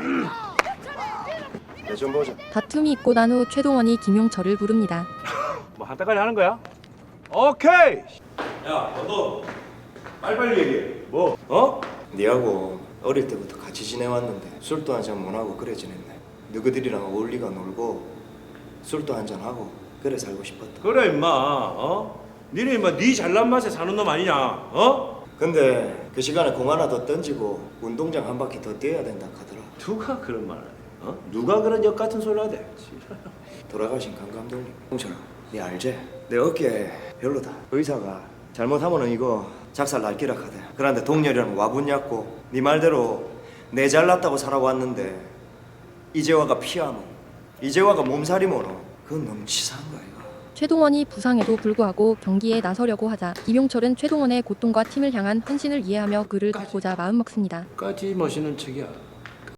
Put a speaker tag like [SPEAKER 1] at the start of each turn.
[SPEAKER 1] 내 좀 보자.
[SPEAKER 2] 다툼이 있고 난 후 최동원이 김용철을 부릅니다.
[SPEAKER 3] 뭐 한따까리 하는 거야? 오케이.
[SPEAKER 1] 야, 너도 빨리빨리 얘기해. 뭐? 어? 니하고 어릴 때부터 같이 지내왔는데 술도 한잔 못하고 그래 지냈네. 너희들이랑 어울리가 놀고 술도 한잔 하고 그래 살고 싶었다.
[SPEAKER 3] 그래 임마. 어? 니네 임마 네 잘난 맛에 사는 놈 아니냐? 어?
[SPEAKER 1] 근데 그 시간에 공 하나 더 던지고 운동장 한 바퀴 더 뛰어야 된다 하더라.
[SPEAKER 3] 누가 그런 말을 해? 어? 누가 그런 역 같은 소리를 하대?
[SPEAKER 1] 돌아가신 강 감독님. 홍철아, 니 알지? 내 어깨 별로다. 의사가 잘못하면은 이거 작살 날기라 하대. 그런데 동렬이랑 와분약고 네 말대로 내 잘났다고 살아왔는데 이재화가 피하면 이재화가 몸살이면은 그건 너무 치사한 거야 이거.
[SPEAKER 2] 최동원이 부상에도 불구하고 경기에 나서려고 하자 김용철은 최동원의 고통과 팀을 향한 헌신을 이해하며 그를 돕고자 마음먹습니다.
[SPEAKER 3] 까지 멋있는 척이야.